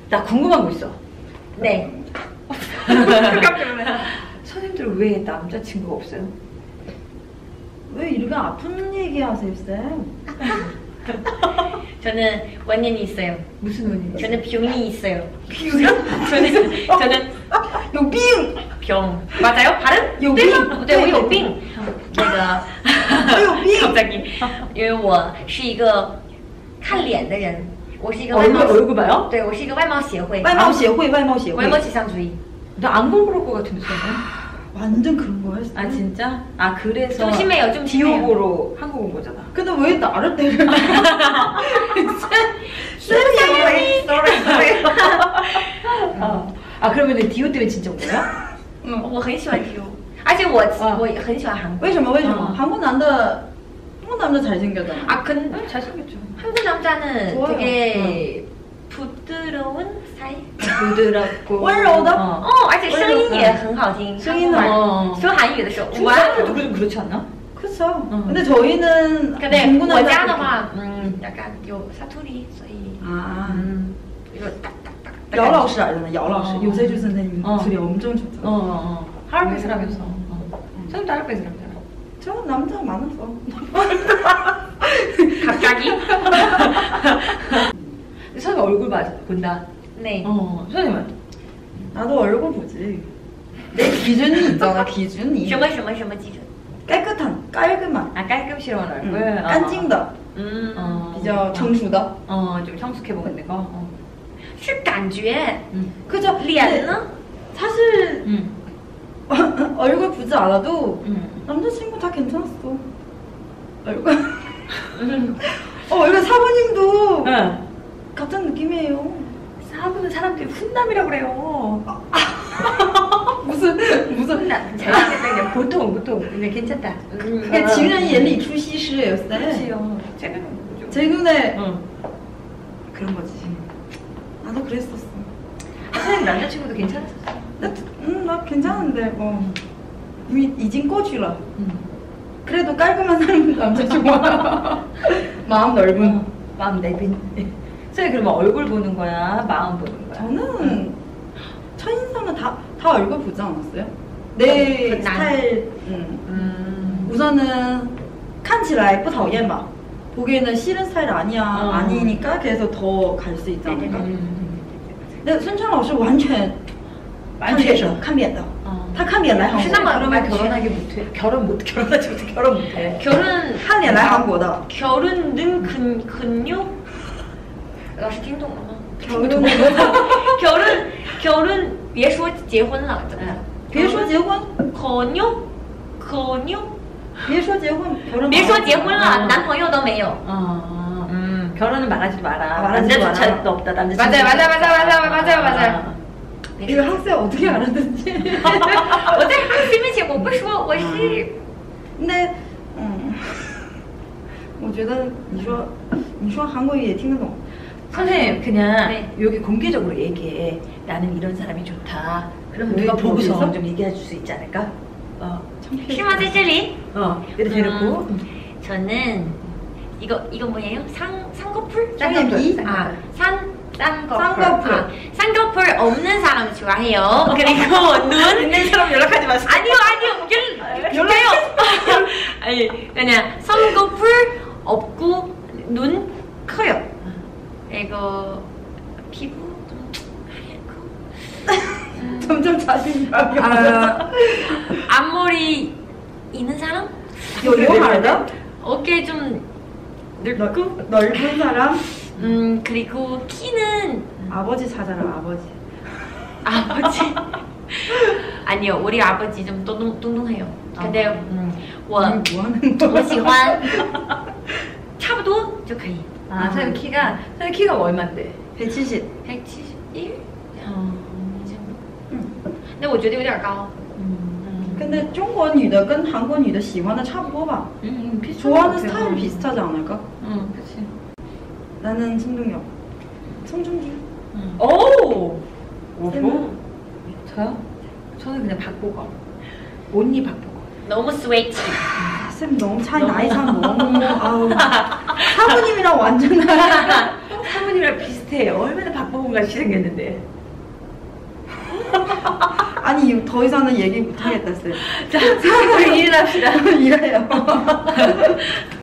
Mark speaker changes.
Speaker 1: 나 궁금한 거 있어.
Speaker 2: 네.
Speaker 1: 선생님들 왜 남자친구가 없어요?
Speaker 3: 왜 이렇게 아픈 얘기하세요, 쌤?
Speaker 2: 저는 원인이 있어요.
Speaker 1: 무슨 원인이요?
Speaker 2: 저는 병이 있어요. 저는
Speaker 3: 요빙!
Speaker 2: 병. 맞아요? 발음?
Speaker 3: 有病.
Speaker 2: 네, 我有病. 那个갑자기 因为我是一个看脸的人，我是一个外貌
Speaker 1: 얼굴 봐요?
Speaker 2: 对，我是一个外貌协会。
Speaker 3: 外貌协会, 外貌协会.
Speaker 2: 외모 지상주의.
Speaker 1: 나 안 궁금할 것 같은데 저는.
Speaker 3: 완전 그런 거야.
Speaker 1: 아 진짜? 아 그래서
Speaker 2: 좀 심해요, 좀 심해요.
Speaker 1: 디오보로 한국 온 거잖아.
Speaker 3: 근데 왜 나를 때려?
Speaker 2: Sorry.
Speaker 1: 아 그러면 디오 때문에 진짜 온 거야?
Speaker 2: 我很喜欢 디오， 而且我很喜欢韩国。
Speaker 3: 为什么? 한국 남자 잘생겼잖아.
Speaker 2: 아 근
Speaker 1: 잘생겼죠.
Speaker 2: 한국 남자는
Speaker 3: 좋아요.
Speaker 2: 되게 부드러운 스타일.
Speaker 1: 부드럽고
Speaker 3: 温柔的.
Speaker 2: 而且声音也很好听。
Speaker 3: 声音呢？
Speaker 2: 说韩语的时候，
Speaker 1: 중국사람들도 좀 그렇지 않나?
Speaker 3: 그쵸. 근데 저희는
Speaker 2: 근데
Speaker 3: 중국 남자
Speaker 2: 我家的话，약간 요 사투리， 所以
Speaker 3: 아.
Speaker 2: 이거 딱딱딱.
Speaker 3: 姚老师알잖아. 姚老师. 요세주 선생님 목소리 엄청 좋잖아.
Speaker 1: 하얼빈 사람이었어. 선생님도 하얼빈 사람이잖아.
Speaker 3: 저 남자 많았어.
Speaker 2: 갑자기?
Speaker 1: 선생님 얼굴 본다.
Speaker 2: 네.
Speaker 1: 선생님은?
Speaker 3: 나도 얼굴 보지. 내 기준이 있잖아. 기준이.
Speaker 2: 什么基准？
Speaker 3: 깔끔한.
Speaker 1: 아 깔끔스러운 얼굴.
Speaker 3: 깐찡다. 비교 청수다.
Speaker 1: 좀 성숙해 보이는 거.
Speaker 2: 是感觉。
Speaker 3: 그죠?
Speaker 2: 脸呢？
Speaker 3: 사실 얼굴 보지 않아도 남자친구 다 괜찮았어. 얼굴. 얼굴 사부님도 같은 느낌이에요.
Speaker 1: 사부는 사람들이 훈남이라고 그래요.
Speaker 3: 무슨
Speaker 1: 훈남. 잘생겼다 그냥 보통 그냥 괜찮다.
Speaker 3: 그게 지은이眼里出西施였어요.
Speaker 1: 그렇지요. 제 눈은 뭐죠?
Speaker 3: 제 눈에 그런 거지. 나도 그랬었어.
Speaker 1: 선생님 남자친구도 괜찮았었어.
Speaker 3: 나 괜찮은데 뭐 이미 이진 꺼주라. 그래도 깔끔한 사람 남자 좋아. 마음 넓은.
Speaker 1: 마음 내빈. 선생님 그러면 얼굴 보는 거야? 마음 보는 거야?
Speaker 3: 저는 첫인상은 다 얼굴 보지 않았어요? 내 스타일. 우선은 看起来不讨厌吧. 보기에는 싫은 스타일 아니니까 그래서 더 갈 수 있지 않을까? 근데 순찬老师完全看脸的. 他看脸来韩国.
Speaker 1: 그러면 결혼하지 못해. 결혼하지 못해. 결혼 못해.
Speaker 3: 看脸来韩国的.
Speaker 2: 결혼은 근육? 老师听懂了吗？ 결혼别说结婚了，
Speaker 3: 别说结婚，
Speaker 2: 근육
Speaker 3: 别说结婚，
Speaker 2: 别说结婚了，男朋友都没有。
Speaker 1: 결혼은 말하지도 마라.
Speaker 3: 말하지도
Speaker 1: 남자조차도 없다. 남자친구.
Speaker 2: 맞아요.
Speaker 3: 이거 학생 어떻게 알았는지.
Speaker 2: 我在对不起，我不说，我是。
Speaker 3: 근데 我觉得你说韩国语也听得懂。
Speaker 1: 선생님 그냥
Speaker 2: 네.
Speaker 1: 여기 공개적으로 얘기해. 나는 이런 사람이 좋다. 그럼 누가 보고서 좀 얘기해 줄 수 있지 않을까?
Speaker 2: 是吗？在这里？
Speaker 1: 이렇게 대놓고.
Speaker 2: 저는 이거 뭐예요? 쌍꺼풀?
Speaker 3: 쌍꺼풀.
Speaker 2: 쌍꺼풀. 쌍꺼풀 없는 사람 좋아해요. 그리고 눈
Speaker 1: 있는 사람 연락하지 마세요.
Speaker 2: 아니요. 연락해요. 아니 그냥 쌍꺼풀 없고 눈 커요. 그리고 피부 좀 하얗고.
Speaker 3: 점점 자신감이
Speaker 2: 앞머리 있는 사람?
Speaker 3: 요요하다?
Speaker 2: 어깨 좀
Speaker 3: 넓은 사람?
Speaker 2: 그리고 키는
Speaker 3: 아버지 찾아라.
Speaker 2: 아버지? 아니요, 우리 아버지 좀 뚱뚱해요. 근데
Speaker 3: 뭐 하는 거야?
Speaker 2: 我喜欢差不多就可以。
Speaker 1: 선생님 키가 얼마인데?
Speaker 3: 170.
Speaker 2: 171? 那我觉得有点高。
Speaker 3: 근데 중국女的跟韩国女的喜欢的差不多吧? 좋아하는 스타일 비슷하지 않을까?
Speaker 1: 그치.
Speaker 3: 나는 송중기.
Speaker 1: 오!
Speaker 3: 쌤은?
Speaker 1: 저요? 저는 그냥 박보검. 온리 박보검.
Speaker 2: 너무 스웨이트.
Speaker 3: 쌤 너무 나이 차 너무 아우 사부님이랑 완전
Speaker 1: 사모님이랑 비슷해. 비슷해. 얼마나 박보검 같이 생겼는데.
Speaker 3: 아니 더 이상은 얘기 못하겠다 쌤.
Speaker 1: 자, 우리 일을 합시다.
Speaker 3: 일해요.